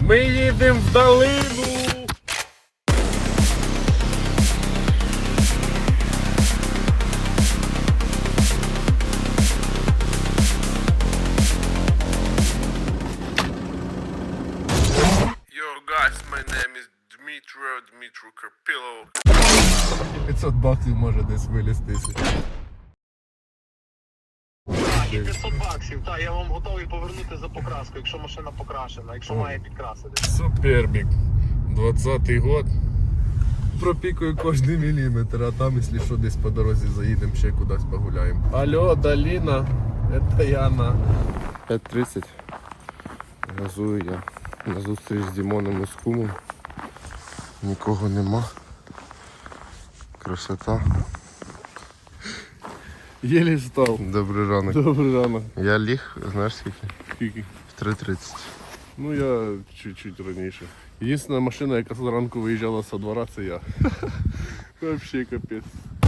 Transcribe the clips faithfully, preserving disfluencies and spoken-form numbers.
Ми їдемо в долину. Yo guys, my name is Dmitro, Dmitro Karpilov. п'ятсот баксів може десь вилізтися. І п'ятсот баксів, так, я вам готовий повернути за покраску, якщо машина покрашена, якщо має підкрасити. Супербік. двадцятий год. Пропікую кожний міліметр, а там, якщо що, десь по дорозі заїдемо, ще кудись погуляємо. Алло, долина. Это Яна. п'ять тридцять. Газую я на зустріч з Дімоном і з кумом. Нікого нема. Красота. Єлі встав. Добрий ранок. Добрий ранок. Я ліг, знаєш скільки? Скільки? В три тридцять. Ну я чуть-чуть раніше. Єдина машина, яка зранку виїжджала з двора, це я. Вообще капець.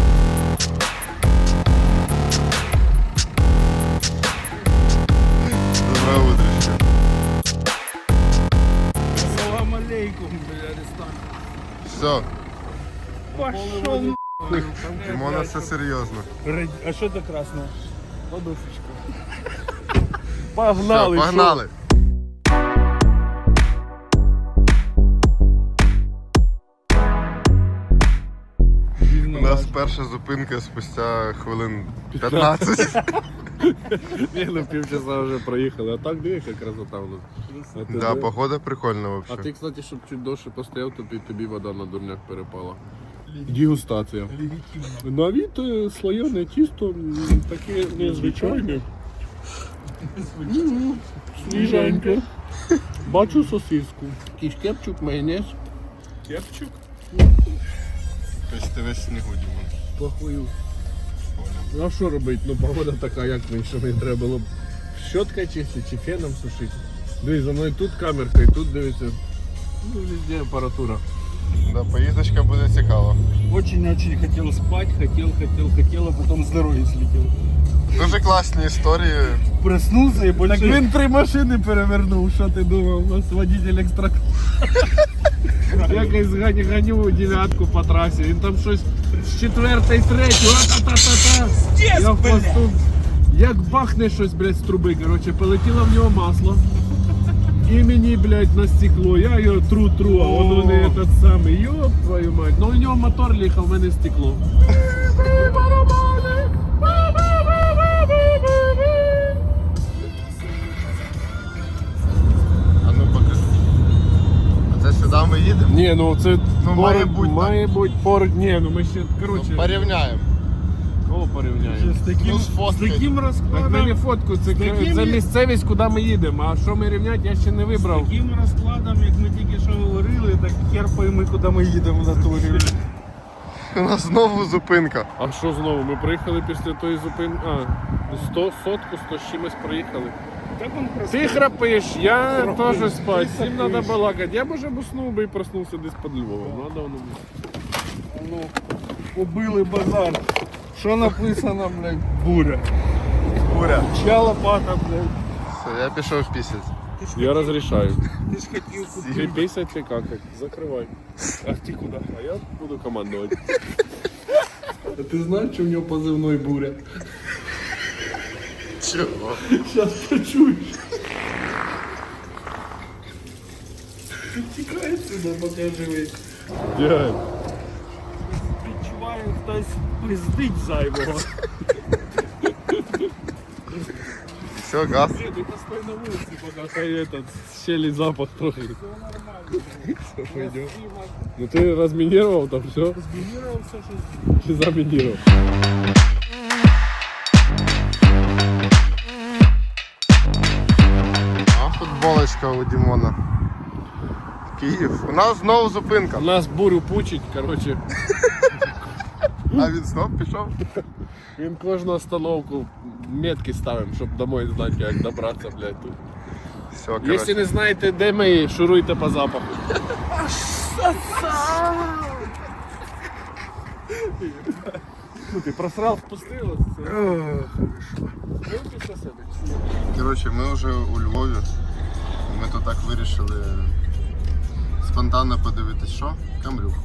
Доброе утречко. Салам алейкум, бля, Аристан. Все, Пошел Дімона, все серйозно. А что это красное? Подушечка. Погнали! Все, погнали. У нас перша зупинка спустя хвилин п'ятнадцять. Ні, ну півчаса вже проїхали, а так диви, яка красота у нас. А ти Да, де? погода прикольна А вообще. ти, кстати, щоб чуть довше постояв, то під тобі вода на дурняк перепала. Дегустація. На від е, слоєне тісто м, таке незвичайне. М, Свіженьке. Бачу сосиску. Якийсь кепчук, майонез. Кепчук? Тобто ти весь снігу, Дімон. Похую. Ну а що робити? Ну погода така, як мені, що мені треба було б щоткою чистити чи феном сушити. Дивись, за мною тут камерка і тут дивиться. Ну, везде апаратура. Да, поїздочка буде цікава. Очень-очень хотел спать, хотел, хотел, хотел, а потом здоровье слетело. Дуже класні історії. Проснулся и больше... Так він три машини перевернув, що ти думав? У нас водитель екстра. Якось гані, ганю дев'ятку по трасі. Він там щось з четвертої, третьої, а-та-та-та-та. Я в посту. Як бахне щось, блядь, з труби, короче, полетіло в нього масло. І мені, блядь, на стекло. Я його тру-тру, а воно не этот самий. Йоп твою мать. Ну у нього мотор ліхав, в мене стекло. А ну покажи. А це сюди ми їдемо? Ні, ну це Ну, поруч, має бути має бути поруч. Ні, ну ми ще, короче, Ну, порівняємо. кого порівняємо? С таким, Ну, с сфоткай. таким Так раскладом, мені фотку, це, такими- це місцевість, куди ми їдемо, а що ми рівняти, я ще не с вибрав. таким розкладом, як ми тільки що говорили, так хер пойми, куди ми їдемо на турі. У нас знову зупинка. А що знову? Ми приїхали після тої зупинки, а, сто, сотку, сто з чимось приїхали. Так он Ти храпиш, я Храпиш, теж спать, ти всім храпиш. треба балакати. Я б уже б уснув би і проснувся десь під Львовом. Надо воно було. Ну, побили базар. Що написано, блядь, буря. Буря. Чья лопата, блядь. Все, я пішов пісять. Я розрішаю. Ти ж хотів Ти купити. писать чи какать? Закривай. А ти куди? А я буду командувати. А ти знаєш, що в нього позивной буря? Чого? Зараз почуєш. Тікай сюди, поки живий. Дядь. Відчуваю, хтось пиздить зайвого. Все, газ. Ні, ти постой на вулиці, поки хай этот щелі запах трохи. Все, пойдем. Ну ти розмінірував там все? Змінював все, що Чи замінірував? А футболочка у Дімона. Київ. У нас знову зупинка. У нас бурю пучить, короче. А він знов пішов? Він кожну остановку метки ставимо, щоб домой знати, як добратися, блядь, тут. Все, Якщо коротше. не знаєте, де ми, шуруйте по запаху. Ну ти просрав, впустило. Коротше, ми вже у Львові. Ми тут так вирішили спонтанно подивитись, що? Камрюху.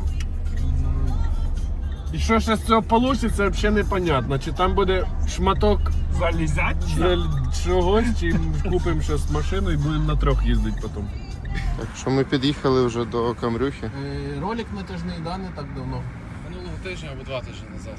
І що ще з цього вийде, взагалі непонятно. Чи там буде шматок Залізять? заль- чогось, чи купимо зараз машину і будемо на трьох їздити потім. Так що ми під'їхали вже до Камрюхи. Ролик натяжний, да, не так давно. Минулого тижня або два тижні назад.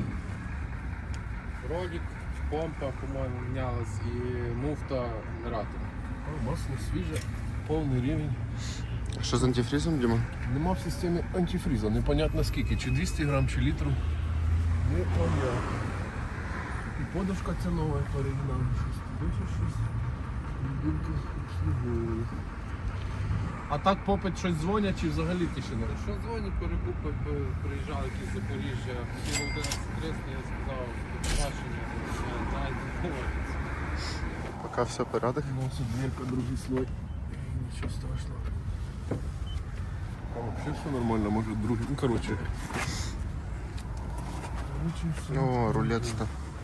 Ролик, помпа, по-моєму, мінялась і муфта генератора. О, масло свіже, повний рівень. А що з антифрізом, Діма? Нема в системі антифріза, непонятно скільки, чи двісті грам, чи літру. Непонятно. І подушка ця нова по оригіналу. Щось туди, щось. Білки обслуговує. А так попит щось дзвонять, чи взагалі тишина? Що дзвонять, перекупи, пи- приїжджали якісь з Запоріжжя, хотіли одинадцять триста, я сказав, до побачення, дайте. Поки все порядок. Носить дверка, другий слой. Нічого страшного. А вообще все нормально, може другий. Ну короче. Короче, все. О, рулетство.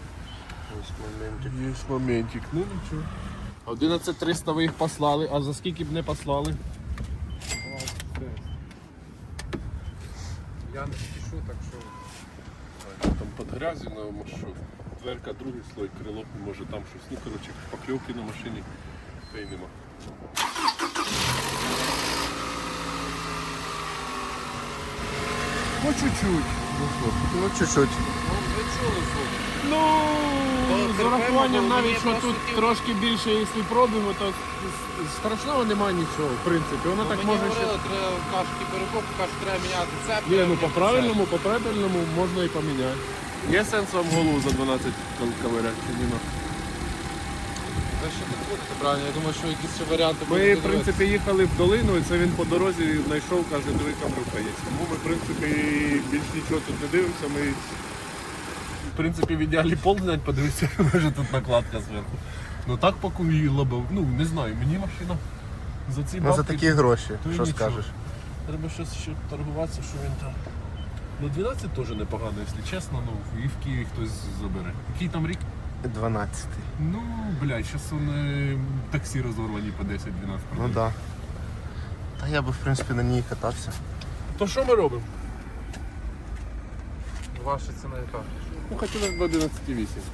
Є моментик. Ну нічого. одинадцять триста ви їх послали, а за скільки б не послали? Я не спішу, так що Там під грязю на маршрут. Дверка, другий слой, крило, може там щось. Ну короче, покльовки на машині та й нема. Ну чуть-чуть. Ну що? Ну, чуть-чуть. ну, ви чули звук. Ну, з урахуванням навіть, що тут трошки більше, якщо пробуємо, то страшного немає нічого, в принципі. Воно так Мені може ще... говорили, треба кашки перекупки, кажуть, треба міняти цеп. Ні, треба ну по міняти правильному, по правильному можна і поміняти. Є сенс вам голову за дванадцять ковиряти чи ні? цеп. Це ще не буде, правильно, я думаю, що якісь ще варіанти Ми, будуть в принципі, їхали в долину, і це він по дорозі знайшов, каже, диви, камерка є. Тому ми, в принципі, більш нічого тут не дивимося. Ми, в принципі, в ідеалі пол знять, подивитися, може тут накладка зверху. Ну так поки її лобив. Ну, не знаю, мені машина за ці Ну, за бабки... такі гроші, то й що нічого. скажеш? Треба щось ще торгуватися, що він там. Ну дванадцять теж непогано, якщо чесно, ну і в Києві хтось забере. Який там рік? дванадцятий. Ну, блядь, зараз вони таксі розорвані по десять-дванадцять. Ну так. Да. Та я би, в принципі, на ній катався. То що ми робимо? Ваша ціна яка? Ну, хотілося б одинадцять вісім.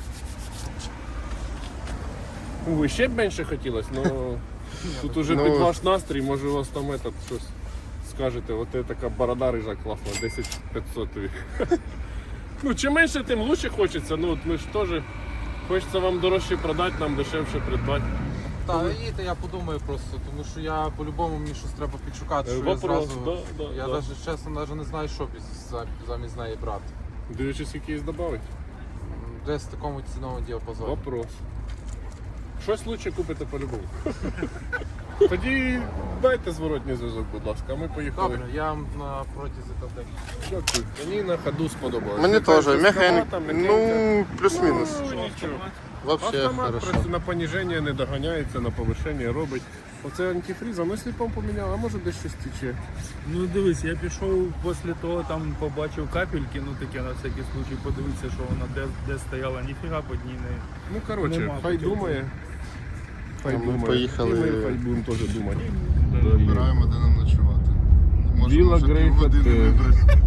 Ви ще б менше хотілося, але тут уже Ну, під ваш настрій, може у вас там этот, щось скажете, от це така борода рижа класна, десять п'ятсот. Ну, чим менше, тим краще хочеться. Ну, от ми ж теж хочеться вам дорожче продати, нам дешевше придбати. Так, їдьте, я подумаю просто, тому що я по-любому мені щось треба підшукати, що я Вопрос, зразу... да, да, я да. навіть чесно навіть не знаю, що біз- за- замість неї брати. Дивлячись, якийсь додати. Десь в такому ціновому діапазоні. Вопрос. Щось лучше купите по-любому. Тоді дайте зворотній зв'язок, будь ласка, а ми поїхали. Добре, я вам на протязі там декілька. Дякую. Мені на ходу сподобалось. Мені Яка теж. жорсткувата, Механіка. м'якенька. Ну, плюс-мінус. Ну, нічого. Вообще Автомат хорошо. працює на поніження не доганяється, на повишення робить. Оце антифріз, а ми сліпом поміняли, а може десь щось тече. Ну дивись, я пішов після того, там побачив капельки, ну таке на всякий случай подивитися, що вона де, де стояла, ніфіга під ній не. Ну коротше, Нема хай таких думає. Хай А ми думає. поїхали- І ми хай будемо теж думати. Вибираємо, де нам ночувати. Можемо Біла вже Грейка, півгодини ти- вибрати.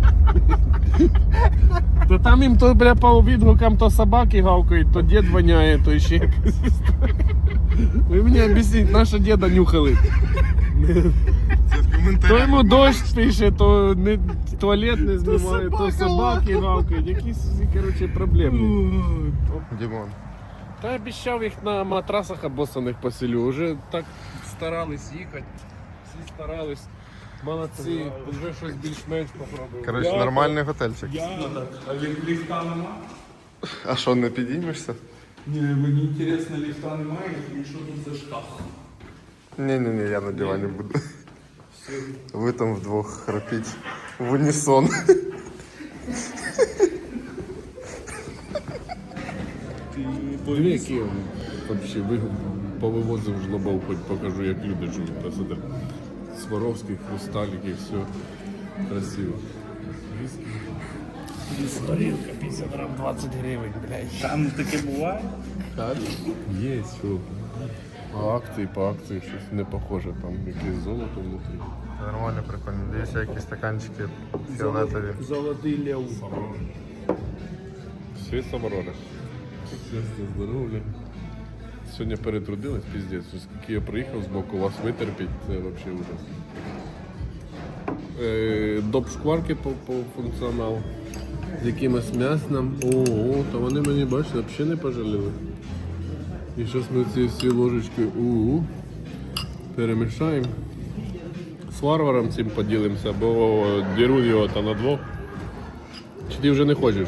То там їм то, бля, по відгукам то собаки гавкають, то дід воняє, то ще якась історія. Ви мені об'ясніть, нашого діда нюхали. Це в коментарях. То йому дощ пише, то не, туалет не знімає, то собаки гавкають, якісь, коротше, проблеми. Дімон. Та обіцяв їх на матрасах обоссаних поселю, вже так старались їхати, всі старались. Молодці, вже щось більш-менш попробували. Коротше, Я- нормальний готельчик. Я а лі- ліфта нема? А що, не підіймешся? Ні, мені інтересно, ліфта немає, і що тут за шкаф? Ні-ні-ні, я на дивані буду. Ви там вдвох храпіть в унісон. Диви, які я вообще ви повивозив жлобов, хоч покажу, як люди живуть. Та сюди Сваровський, хрусталики, все красиво. Горілка п'ятдесят грам, двадцять гривень, блядь. Там таке буває? Є, що. По акції, по акції щось не похоже, там якесь золото внутрі. Нормально, прикольно. Дивіться, якісь стаканчики фіолетові. Золотий лев. Всі саморони. Щастя, здоров'я. Сьогодні перетрудились, піздець. Скільки я приїхав з боку, вас витерпіть, це взагалі ужас. Е, доп шкварки по, по функціоналу. З якимось м'ясом. Ого, то вони мені, бачите, взагалі не пожаліли. І зараз ми ці всі ложечки у перемішаємо. З варваром цим поділимося, бо діру його там на двох. Чи ти вже не хочеш?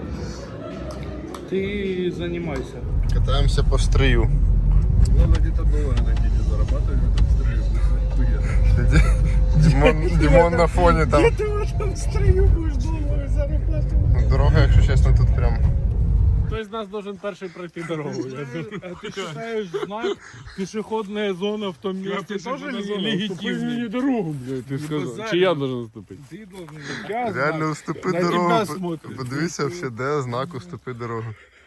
Ти займайся. Катаємося по стрию. Главное, где-то доллары на день зарабатывать в этом строю. Дімон, Дімон на фоні там. Ти в этом строю будеш долари заробляти. Дорога, якщо чесно, тут прям. Хтось з нас должен перший пройти дорогу. я думаю. А ты считаешь знак пешеходная зона в том месте тоже Пешеходная зона. Уступи мені легитимный? дорогу, блядь, ти сказав. базарь. Чи я должен уступити? Ты должен. Я Реально знак. уступи На дорогу. тебя смотрят. Подивися, вообще, де знак уступи дорогу.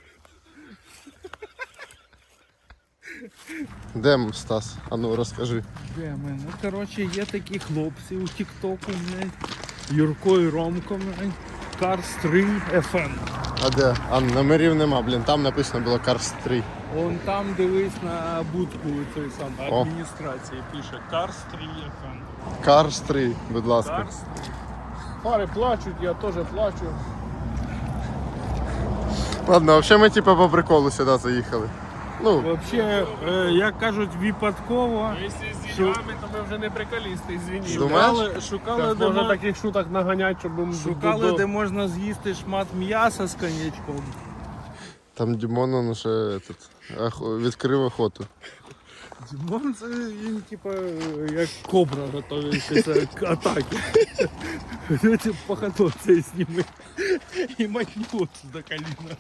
Де Стас? А ну розкажи. Де ми? Ну, коротше, є такі хлопці у Тіктоку, блядь. Юрко і Ромко, блядь. Карс три еф ем. А де? А номерів нема, блін, там написано було Cars три. Вон там дивись на будку цієї самої О. адміністрації. Пише Карс три еф ем. Cars три, будь ласка. Карс три. Фари плачуть, я теж плачу. Ладно, взагалі ми типа по приколу сюди заїхали. Ну, Вообще, е, як кажуть, випадково. Якщо з деньгами, то ми вже не приколісти, звініть. Думаєш? Шукали, шукали, Так, де, може мо- таких шуток наганять, щоб ми шукали до- де можна з'їсти шмат м'яса з коньячком. там Дімон он уже этот, охо- відкрив охоту. Дімон це він типа як кобра готується к атаці. Ці походу це зніми і матнуть до коліна.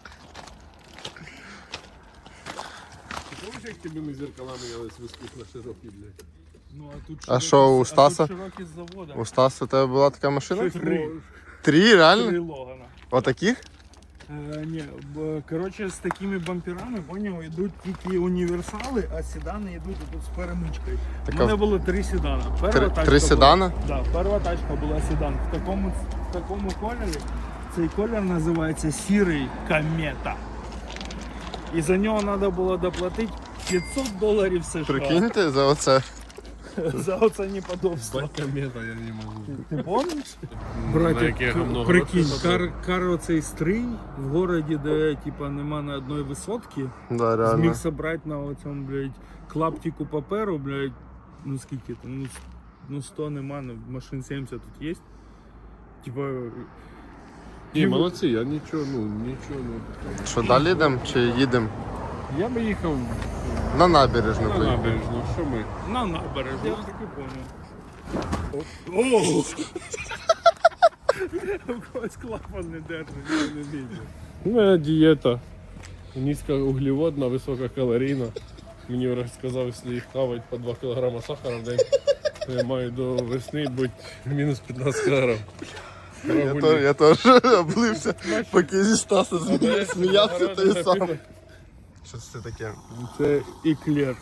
Ти помниш, як тебе зеркала мінялись вискус на широкий, блядь? Ну, а тут А широкі- що, у а тут Стаса? широкі з завода. У Стаса у тебе була така машина? Три. Три, Три реально? Логана. Отаких? Е, ні, б- коротше, з такими бамперами, поняв, йдуть тільки універсали, а седани йдуть тут з перемичкою. У Так, мене а- було три седана. Перша Три, тачка три була- седана? Да, перша тачка була седан. В такому, в такому кольорі. Цей колір називається сірий комета. І за нього треба було доплатити п'ятсот доларів США. Прикиньте за оце. За оце неподобство. Комета, я не можу. Ти помниш? На Братик, яке говно прикинь, грошей кар, кар оцей стрий в городі, де типа нема на одної висотки, Да, реально. зміг собрати на оцьому, блядь, клаптику паперу, блядь, ну скільки там, ну, с- ну сто нема, ну, машин сімдесят тут є. Типа, Ні, молодці, я нічого, ну, нічого не... Що, далі йдемо чи їдемо? Я би їхав На набережну. на поїхали. набережну, що ми? на набережну, я так і понял. О! У когось клапан не держить, я не бачу. У мене дієта низькоуглеводна, висококалорійна. Мені врач сказав, якщо їх хавати по два кілограми сахара в день, то я маю до весни бути мінус п'ятнадцять кілограм. Я, то, я теж облився, поки зі Стаса змі- сміявся, то і сам. Що це таке? Це іклер.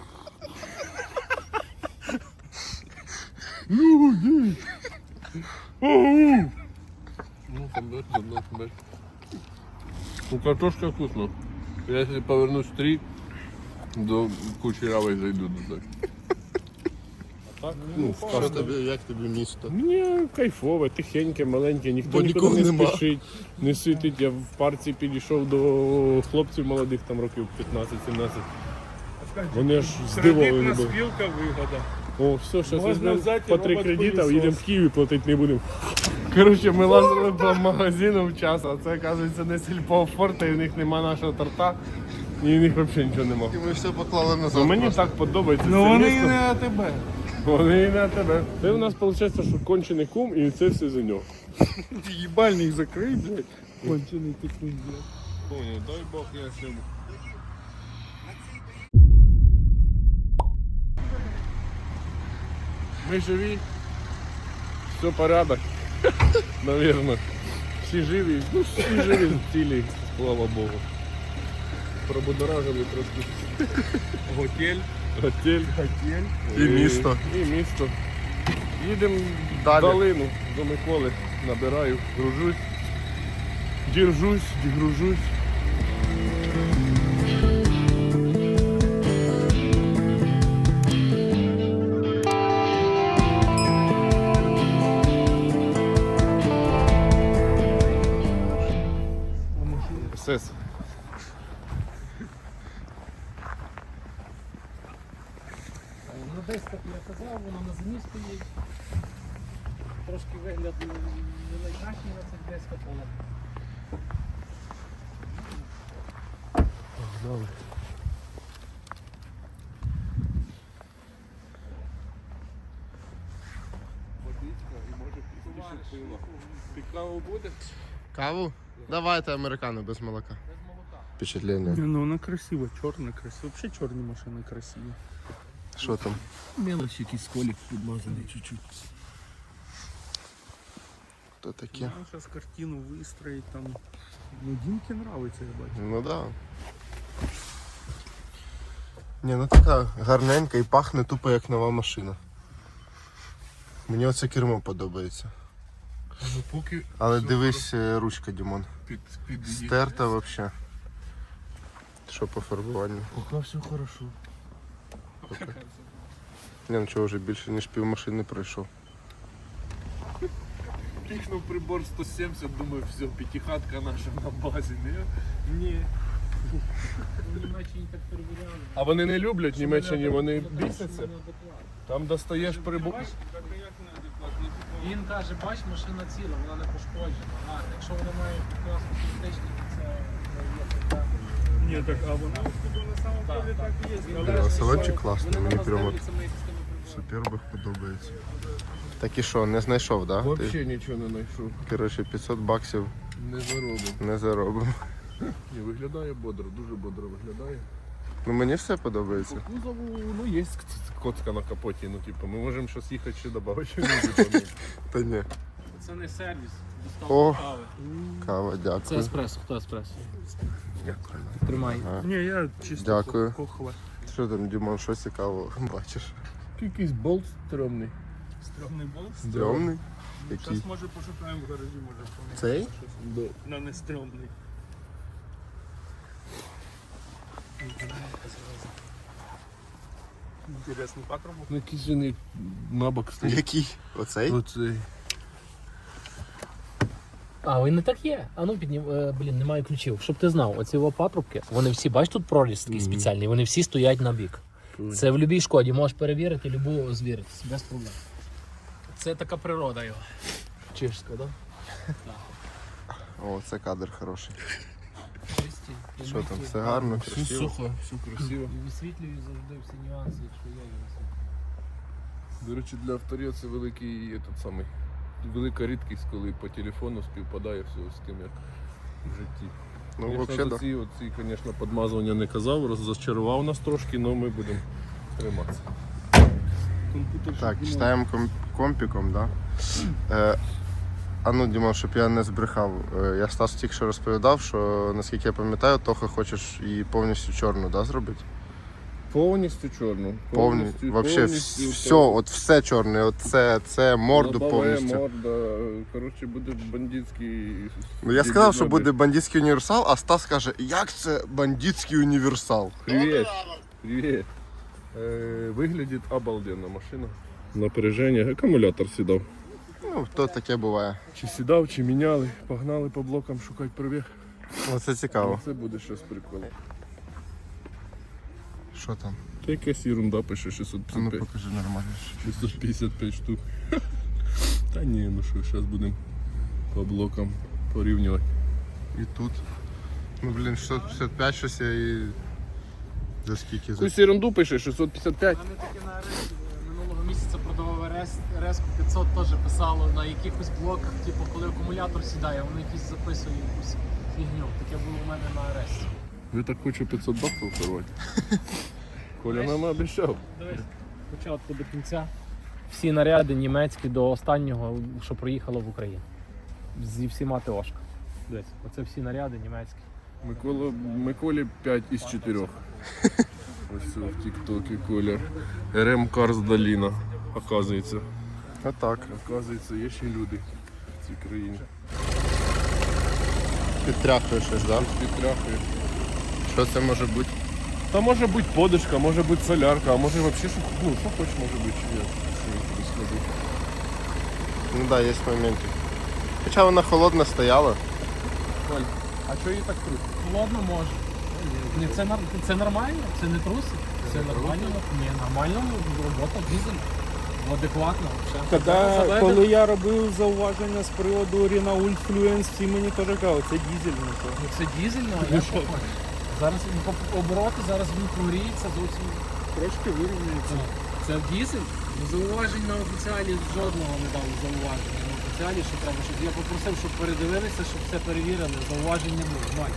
Ну, там дальше, там дальше, дальше. Ну, картошка вкусно. Я если повернусь в три, до Кучерявой зайду до так. А так, ну, Що тобі, як тобі місто? Мені кайфове, тихеньке, маленьке, ніхто Бо нікуди нікого не нема. спішить, не світить. Я в парці підійшов до хлопців молодих, там років п'ятнадцять-сімнадцять. Вони аж здивовані Кредитна були. спілка вигода. О, все, зараз Можна візьмемо взяти по три робот-пилісос. кредита, їдемо в Київ і платити не будемо. Коротше, ми лазили по магазину в час, а це, оказується, не сільпо форта, і в них нема нашого торта, і в них взагалі нічого нема. І ми все поклали назад. Ну, мені просто. так подобається. Ну це вони і місто. не на тебе. Вони і на тебе. Це в нас виходить, що кончений кум, і це все за нього. Їбальник закрий, блядь. Кончений ти кунь, блядь. Понял, дай Бог я всім. Ми живі. Все порядок. Наверно. Всі живі. Ну, всі живі в тілі, слава Богу. Пробудоражили трошки. Готель. Готель. Готель. І місто. І місто. Їдемо в Далі. долину до Миколи. Набираю, гружусь. Держусь, дегружусь. СС. Ну десь так я казав, воно на зимі стоїть. Трошки вигляд не не найкращий на цих десь поле. Погнали. Водичка і може пізніше пиво. Ти каву будеш? Каву? Давайте американо без молока. Впечатлення. Ну вона красива, чорна красива. Взагалі чорні машини красиві. Що там? Мелочь, якийсь колік підмазаний чуть-чуть. То таке? Ну, зараз картину вистроїть там. Ну, Дімки нравиться, я бачу. Ну да. Ні, ну така гарненька і пахне тупо як нова машина. Мені оце кермо подобається. Ну поки Але дивись, е, ручка, Дімон. під, під Стерта взагалі. Що по фарбуванню? Поки все хорошо. Ні, ну чого, вже більше ніж пів машини пройшов. піхнув прибор сто сімдесят, думаю, все, п'ятихатка наша на базі, не? Ні. В Німеччині так перевіряли. А вони не люблять Німеччині, вони бісяться. Там достаєш прибор. Бач, він каже, бач, машина ціла, вона не пошкоджена. А якщо вона має класну критичні, то це ну, є проблема. Ні, так, а вона на самом деле так і є. Він Блін, каже, а салончик що класний, вони мені на нас прямо дивляться, ми їх з тими приборами. Супербах подобається. Так і що, не знайшов, так? Да? Ти, Взагалі нічого не знайшов. коротше, п'ятсот баксів Не заробив. не заробимо. Ні, виглядає бодро, дуже бодро виглядає. Ну мені все подобається. По кузову, ну, є коцка на капоті, ну, типу, ми можемо зараз їхати ще додати що-небудь. Та ні. Це не сервіс, О. доставка кави. Кава, Це дякую. еспресо, хто еспресо? Дякую. Тримай. Ні, я чисто Дякую. кохла. Що там, Дімон, що цікавого бачиш? Якийсь болт стрьомний. Стрьомний болт. Стрьомний? Який? Зараз може пошукаємо в гаражі, може поміняти. Цей? Да. На не стрьомний. Інтересний патрубок. Ну, якийсь він набок стоїть. Який? Оцей? Оцей. А, він не так є. А ну піднім, е, блін, немає ключів. Щоб ти знав, оці його патрубки, вони всі, бач, тут проріз такий спеціальний, вони всі стоять на бік. Це в будь-якій шкоді, можеш перевірити, любу звіритися, без проблем. Це така природа його. Чешська, так? О, це кадр хороший. Чисті. Що там, все гарно, Все красиво? сухо, все красиво. І висвітлюють завжди всі нюанси, якщо є. До речі, для авторів це великий этот самий, велика рідкість, коли по телефону співпадає все з тим, як в житті. Ну, Я взагалі, за да. ці, оці, звісно, підмазування не казав, розчарував нас трошки, але ми будемо триматися. Так, читаємо ком- компіком, да? Е, а ну, Дімон, щоб я не збрехав. Е, я Стас тільки що розповідав, що, наскільки я пам'ятаю, Тоха хочеш її повністю чорну, да, зробити? Повністю чорну. Повні, вообще вс- все, от все чорне, от це, це морду повністю. Морда, коротше, буде бандитський. Ну, я сказав, що буде бандитський універсал, а Стас каже, як це бандитський універсал? Привіт. Привіт. Е, виглядить обалденно машина. Напряження, акумулятор сідав. Ну, то таке буває. Чи сідав, чи міняли, погнали по блокам шукати пробіг. Оце цікаво. Це буде щось прикольне. Що там? Та якась ерунда пише шістсот А ну п'ятдесят п'ять. покажи нормально. шістсот п'ятдесят п'ять штук. Та ні, ну що, зараз будемо по блокам порівнювати. І тут. Ну блін, шістсот п'ятдесят п'ять щось я і. За скільки? За... Якусь ерунду пише шістсот п'ятдесят п'ять. У мене таке на Аресі минулого місяця продавав РС, РС п'ятсот теж писало на якихось блоках, типу коли акумулятор сідає, воно якісь записує якусь фігню. Таке було у мене на Аресі. Ви так хочу п'ятсот баксів порвати. Коля нам обіцяв. Дивись, спочатку до кінця. Всі наряди німецькі до останнього, що проїхало в Україну. Зі всіма ТОшка. Дивись, оце всі наряди німецькі. Микола, Миколі п'ять із чотирьох. Ось в тіктокі колір. ар ем Cars Доліна, оказується. А так. Оказується, є ще люди в цій країні. Підтряхує щось, так? Да? Підтряхує. Що це може бути? Та може бути подушка, може бути солярка, а може взагалі що, ну, що хоч може бути, чи ні. Ну так, да, є моменти. Хоча вона холодна стояла. А що її так крути? Холодно може. Ні, це, нар- це нормально, це не труси. Це нормально. Ні, нормально, робота, дизель. Адекватно. Все. Коли, Заведено. коли я робив зауваження з приводу Renault Fluence, всі мені теж казали, це дізель. Ну, то. Ну, це дизельно, а я що хочу. Зараз він по- обороти, зараз він прогріється зовсім. Трошки вирівнюється. Це дизель. Ну, зауважень на офіціалі жодного не дали зауваження. На офіціалі, що треба, щоб я попросив, щоб передивилися, щоб все перевірили. Зауважень не було. Ноль.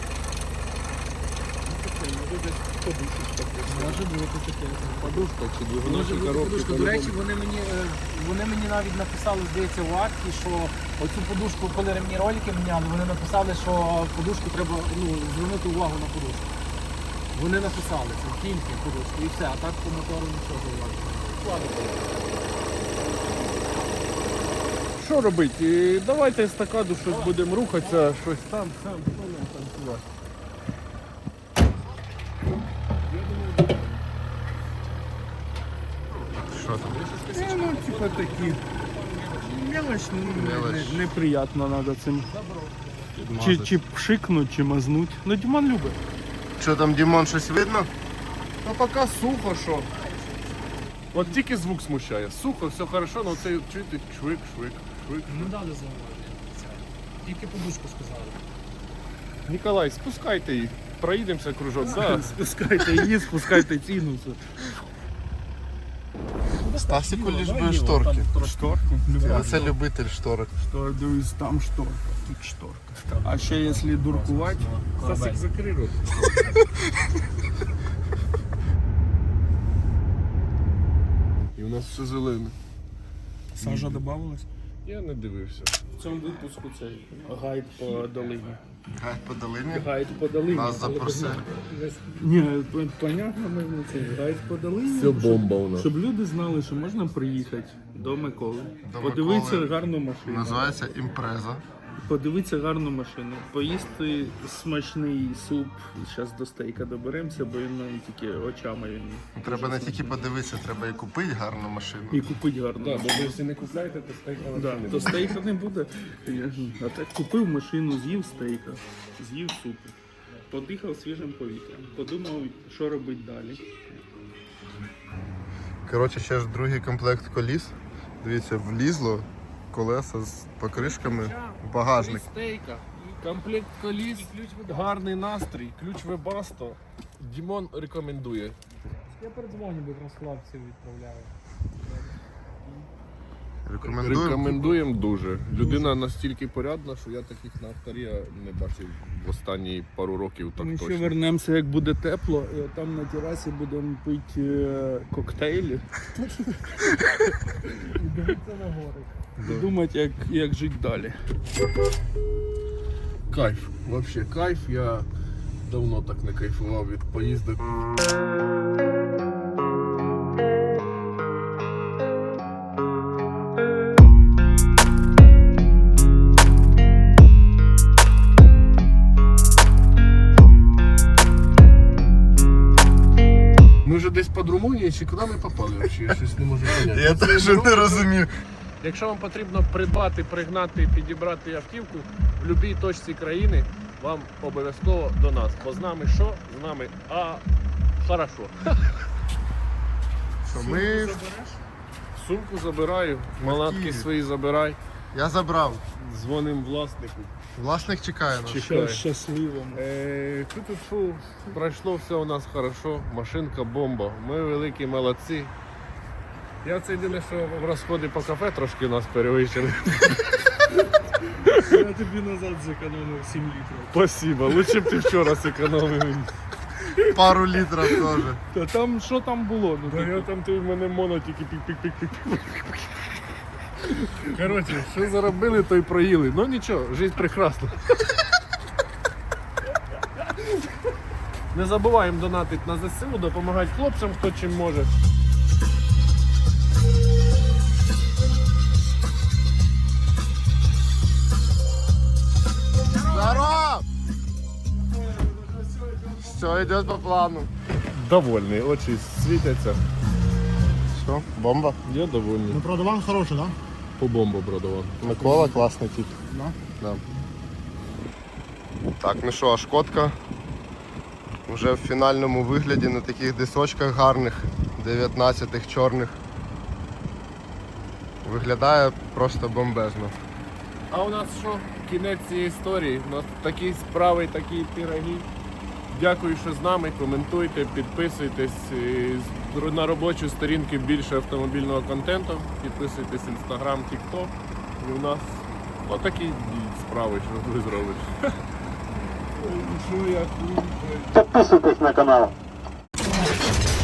Може бути таке. Подушка чи Може двигуна чи бути коробки. подушка. До речі, вони мені, е, вони мені навіть написали, здається, в акті, що оцю подушку, коли ремні ролики міняли, вони написали, що подушку треба ну, звернути увагу на подушку. Вони написали, це тільки подушку і все, а так по мотору нічого зауваження. Що робити? І давайте естакаду щось будемо рухатися, щось там, там, що нам танцювати. Що там? Е, ну, типа такі. Мелочь, ну, Мелочь. не- неприятно треба цим. Чи, чи пшикнуть, чи мазнуть. Ну, Дімон любить. Що там, Дімон, щось видно? Та поки сухо, що. От тільки звук смущає. Сухо, все хорошо, але цей чуєте швик, швик, швик. Не дали зауваження. Тільки подушку сказали. Ніколай, спускайте їх. Проїдемося кружок. Да. Спускайте її, спускайте ціну. Стасіку лиш би шторки. А це любитель шторок. Що, дивись, там шторка, тут шторка. А ще якщо дуркувати, Стасик, закрий рот. І у нас все зелене. сажа додавалась. Я не дивився. В цьому випуску цей гайд по долині. Гайд по долині. Гайд по долині. Нас запросили. Ні, понятно, ми цей гайд по долині. Все бомба у нас. Щоб люди знали, що можна приїхати до Миколи, До подивитися Миколи. гарну машину, Називається імпреза. подивитися гарну машину, поїсти смачний суп. Зараз до стейка доберемося, бо він нам тільки очами він. Треба не тільки подивитися, треба і купити гарну машину. І купити гарну Так, машину. бо ви якщо не купляєте, то стейка Да, взагалі не то буде. стейка не буде. Звісно. А так купив машину, з'їв стейка, з'їв супу, подихав свіжим повітрям, подумав, що робити далі. Коротше, ще ж другий комплект коліс. Дивіться, влізло колеса з покришками, багажник. Стейка, комплект коліс, гарний настрій, ключ Webasto. Дімон рекомендує. Я передзвоню, бо якраз хлопців відправляю. Рекомендую. Рекомендуємо дуже. Людина настільки порядна, що я таких на авторі не бачив в останні пару років так Ми ще точно. вернемося, як буде тепло, і там на терасі будемо пити е, коктейлі. І думати, як, як жити далі. Кайф, вообще кайф. Я давно так не кайфував від поїздок. Ми вже десь під Румунією, чи куди ми попали взагалі? Я щось не можу поняти. Я теж не розумію. Якщо вам потрібно придбати, пригнати, підібрати автівку в будь-якій точці країни, вам обов'язково до нас. Бо з нами що? З нами а хорошо. Що ми... Сумку забираю, малатки Києві. свої забирай. Я забрав. Дзвоним власнику. Власник чекає нас. Чекай. Щасливо. Е, Фу, пройшло все у нас хорошо, машинка бомба. Ми великі молодці. Я це єдине, що в розходи по кафе трошки нас перевищили. Я тобі назад зекономив сім літрів. Спасибо, лучше б ти вчора зекономив. Пару літрів теж. Та там що там було? Ну, Та я там ти в мене моно тільки пік-пік-пік-пік. Коротше, що заробили, то й проїли. Ну нічого, життя прекрасна. Не забуваємо донатити на ЗСУ, допомагати хлопцям, хто чим може. Здорово! Все йде по плану. Довольний, очі світяться. Що, бомба? Я довольний. Ну, продаван хороший, да? По бомбу продавав. Микола класний тип. Да? Да. Так, ну що, а шкодка вже в фінальному вигляді на таких дисочках гарних, дев'ятнадцятих чорних. Виглядає просто бомбезно. А у нас що? Кінець цієї історії. У нас такі справи, такі пироги. Дякую, що з нами. Коментуйте, підписуйтесь. І на робочу сторінку більше автомобільного контенту. Підписуйтесь Instagram, TikTok. І у нас отакі справи, що ви зробите. Що я Підписуйтесь на канал.